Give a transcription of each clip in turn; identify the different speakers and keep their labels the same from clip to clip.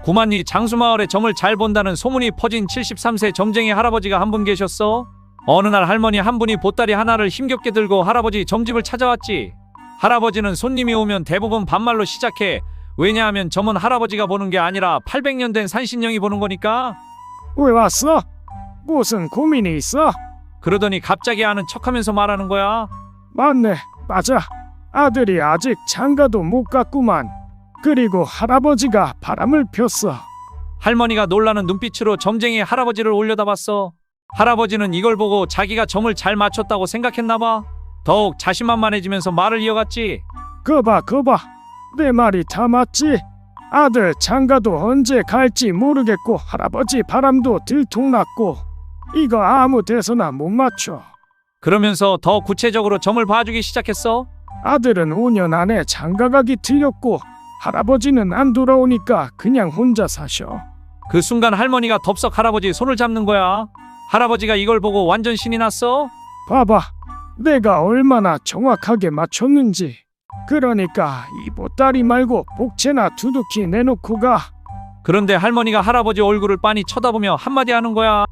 Speaker 1: 구만리 장수마을에 점을 잘 본다는 소문이 퍼진 73세 점쟁이 할아버지가 한 분 계셨어. 어느 날 할머니 한 분이 보따리 하나를 힘겹게 들고 할아버지 점집을 찾아왔지. 할아버지는 손님이 오면 대부분 반말로 시작해. 왜냐하면 점은 할아버지가 보는 게 아니라 800년 된 산신령이 보는 거니까.
Speaker 2: 왜 왔어? 무슨 고민이 있어?
Speaker 1: 그러더니 갑자기 아는 척하면서 말하는 거야.
Speaker 2: 맞네, 맞아. 아들이 아직 장가도 못 갔구만. 그리고 할아버지가 바람을 폈어.
Speaker 1: 할머니가 놀라는 눈빛으로 점쟁이 할아버지를 올려다봤어. 할아버지는 이걸 보고 자기가 점을 잘 맞췄다고 생각했나 봐. 더욱 자신만만해지면서 말을 이어갔지.
Speaker 2: 거봐, 내 말이 다 맞지? 아들 장가도 언제 갈지 모르겠고 할아버지 바람도 들통났고 이거 아무 데서나 못 맞춰.
Speaker 1: 그러면서 더 구체적으로 점을 봐주기 시작했어.
Speaker 2: 아들은 5년 안에 장가가기 틀렸고 할아버지는 안 돌아오니까 그냥 혼자 사셔.
Speaker 1: 그 순간 할머니가 덥석 할아버지 손을 잡는 거야. 할아버지가 이걸 보고 완전 신이 났어.
Speaker 2: 봐봐, 내가 얼마나 정확하게 맞췄는지. 그러니까 이 보따리 말고 복채나 두둑히 내놓고 가.
Speaker 1: 그런데 할머니가 할아버지 얼굴을 빤히 쳐다보며 한마디 하는 거야.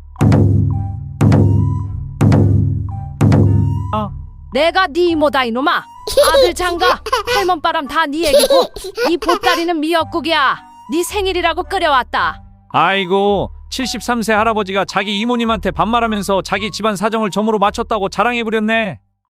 Speaker 3: 내가 네 이모다 이놈아. 아들 장가 할멈바람 다 네 얘기고 이 보따리는 미역국이야. 네 생일이라고 끓여왔다.
Speaker 1: 아이고, 73세 할아버지가 자기 이모님한테 반말하면서 자기 집안 사정을 점으로 맞췄다고 자랑해부렸네.